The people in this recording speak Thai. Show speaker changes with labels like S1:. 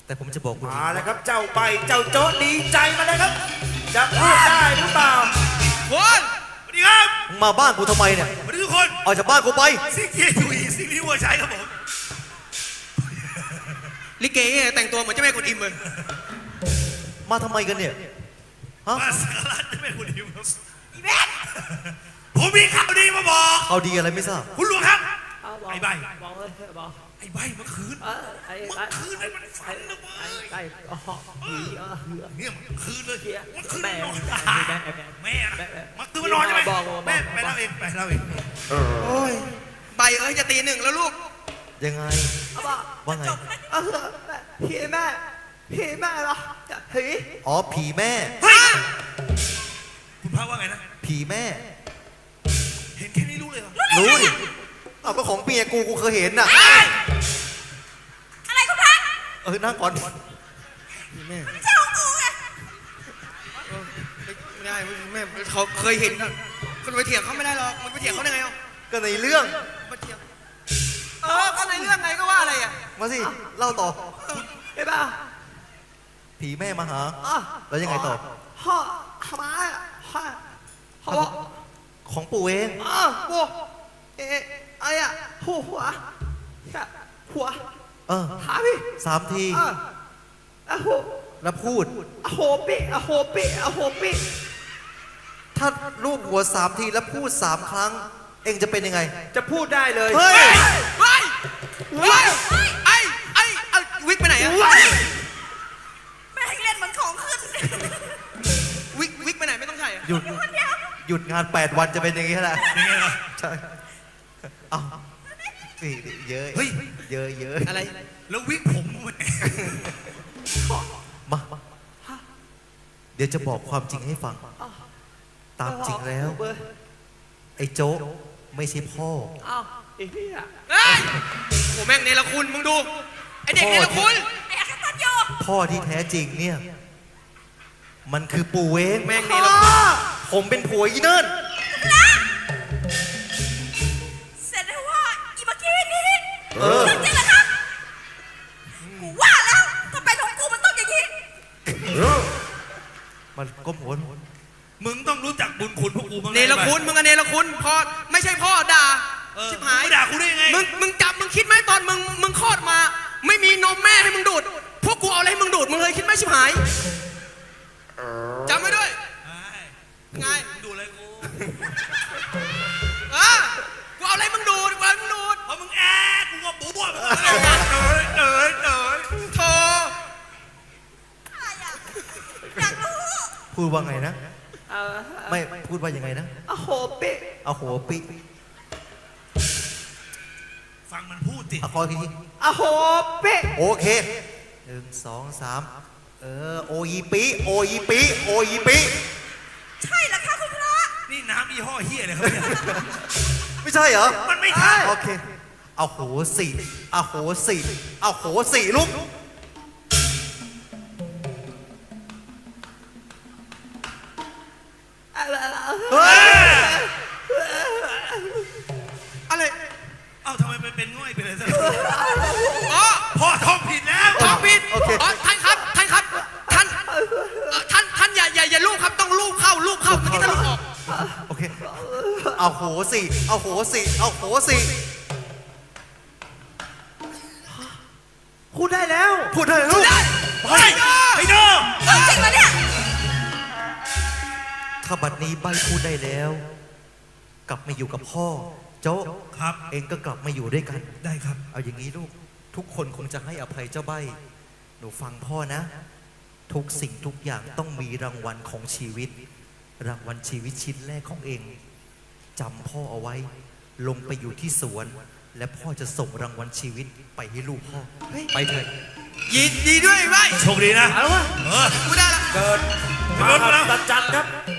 S1: แต่ผมจะบอกคุณ
S2: มาแล้วครับเจ้าใบเจ้าโจ๊ดดีใจมาเลยครับ จะพูดได้หรือเปล่า
S3: คนสวัสดีครับ
S1: มึงมาบ้านกูทำไมเนี่ย
S3: สวัสดีทุกคน
S1: ออกจากบ้านกูไป
S3: ซิกเกียร์อยู่อีซิกนี้วัวใช้ครับผมลิเกเนี่ยแต่งตัวเหมือนเจ้าแม่กวนอิมเลย
S1: มาทำไมกันเนี่ยฮะ
S3: มาสักการะเจ้าแม่กวนอิมครับอีเบนผมมีข่าวดีมาบอก
S1: เอาดีอะไรไม่ทราบ
S3: คุณหลวงครับ ไอ้ใบ
S4: บอกเลยบอก
S3: ไอ้ใบเมื่อคืน
S4: ไอ้
S3: เมื่อคืนนี่มันฝันนะเว้ย
S4: ไอ้ผี
S3: เนี่ยเมื่อคืนเลยเมื่อคืน
S4: แม่
S3: นอน
S4: แม่
S3: แม่นะเมื่อคืนมานอนใช่ไหมแม่ไปเล่าเองไปเล่าเองโอ้ยใบเอ้ยจะตีหนึ่งแล้วลูก
S1: ยังไงว่าไง
S4: ผีแม่ผีแม่เหรอผี
S1: อ๋อผีแม่
S3: เฮ้ยคุณพระว่าไงนะ
S1: ผีแม่
S3: เห็นแค่นี้รู้เลยเหรอ
S1: รู้ดิเอาก็ของเมียกูเคยเห็นน่ะ
S5: อะไรคุณพัก
S1: นั่งก่อน
S3: แม่
S5: ไม่ใช่ของกูไง
S3: ไม่ได้แม่เขาเคยเห็นนะคุณไปเถียงเขาไม่ได้หรอกมันไปเถียงเขาได้ไงอ่ะ
S1: ก็ในเรื่อง
S3: ไปเถียงก็ในเรื่องไงก็ว่าอะไรอ่ะ
S1: มาสิเล่าต่อ
S4: ใช่ป่ะ
S1: ผีแม่มาหาแล้วยังไงต่อ
S4: พ่อทำไมพ่อ
S1: ของปู่เอง
S4: ปู่ไอ้อะหัวหาพี่
S1: 3 ที
S4: หัว
S1: แล้วพูด
S4: โหปิ
S1: ถ้าลูกหัว3 ทีแล้วพูด3 ครั้ง เองจะเป็นยังไง
S4: จะพูดได้เลย
S1: เฮ้ย
S3: ไอ้วิกไปไหนอะ
S5: ไม่ให้เล่นเหมือนของขึ้น
S3: วิกไปไหนไม่ต้องใส่อะ
S1: หยุดงาน 8 วันจะเป็นอย่างนี้แหละใช่เอานี่เยอะเยอะ
S3: อะไรแล้ววิกผมมัน
S1: มาเดี๋ยวจะบอกความจริงให้ฟัง ตามจริงแล้ว ไอ้โจ๊กไม่ใช่พ่อ
S4: อ้าวไอ้พี่อะ
S3: โอ้แม่งเนรคุณมึงดูไอเด็กเนรคุณ
S5: ไอ้อาคาตันโย
S1: พ่อที่แท้จริงเนี่ย มันคือปู่เอง
S3: แม่งเนรคุณ
S1: ผมเป็นผัวอีเนิ่น
S5: เสร็จแล้วว่าอีเมื่อกี้นี้
S1: เออ
S5: จริงๆเหรอครับกูว่าแล้วถ้าเป็นของกูมันต้องอย่างนี้
S1: มันก้มหัว
S6: มึงต้องรู้จักบุญคุณพวกกูบ้าง
S3: เนรคุณมึงอะเนรคุณพอไม่ใช่พ่อด่าชิบหาย
S6: ด่ากูได้ยังไง
S3: มึงคิดไหมตอนมึงคลอดมา ไม่มีนมแม่ให้มึงดูดพวกกูเอาอะไรให้มึงดูดมึงเลยคิดไหมชิบหายจำไว้ด้วยไง
S6: มึงดูอะไรกู
S3: กูเอาอะไรมึงดูดกูเอาอะไรมึงดูด
S6: เพราะมึงแอะกูก็บู๊บเอ๋ย
S3: โธ่
S5: อะไรอ่ะอยากรู้
S1: พูดว่าไงนะ ไม่พูดว่ายังไงนะ
S4: โหปิ
S1: เอาหัวปิ
S6: ฟังมันพูดสิ
S1: เอาคอยที
S4: โหปิ
S1: โอเค1 2 3โอยีปิโอยีปิโอยีปิ
S5: ใช่เหรอคะคุณพระ
S6: นี่น้ำยี่ห้อเฮียอะไรครับเนี่ย
S1: ไม่ใช่เหรอ
S6: มันไม่ใช่
S1: โอเค เอาโหสี่เอาโหสี่เอาโหสี่ลูก เฮ้ย
S3: อะไร
S6: เอ้าทำไมมันเป็นง่อยไปเลยซะ
S3: อ๋อ
S6: พ่อท้องผิดแล้ว
S3: ท้องผิด
S1: โอเค
S3: อ๋อท่านครับท่านอย่าลูกครับต้องลูกเข้าเมื่อกี้ท่านลูกออก
S1: โอเค เอาโหสี่เอาโหสี่เอาโหสี่
S4: พูดได้แล้ว
S1: พูดได้เลยลูก
S6: เฮ้ยไอ้น้อง
S5: จริงเหรอเนี่ย
S1: ถ้าบัดนี้ใบพูดได้แล้ว กลับมาอยู่กับพ่อ โจ๊ก
S6: ครับ
S1: เองก็กลับมาอยู่ด้วยกัน
S6: ได้ครับ
S1: เอาอย่างนี้ลูก ทุกคนคงจะให้อภัยเจ้าใบ หนูฟังพ่อนะ ทุกสิ่งทุกอย่างต้องมีรางวัลของชีวิต รางวัลชีวิตชิ้นแรกของเองจำพ่อเอาไว้ ลงไปอยู่ที่สวน และพ่อจะส่งรางวัลชีวิตไปให้ลูกพ่อ ไปเถิด
S3: ยินดีด้วยไว้
S6: โชคดีนะ
S2: เอาวะ
S6: เออ
S3: กูได้ละ
S2: เกิดมาจัดครับ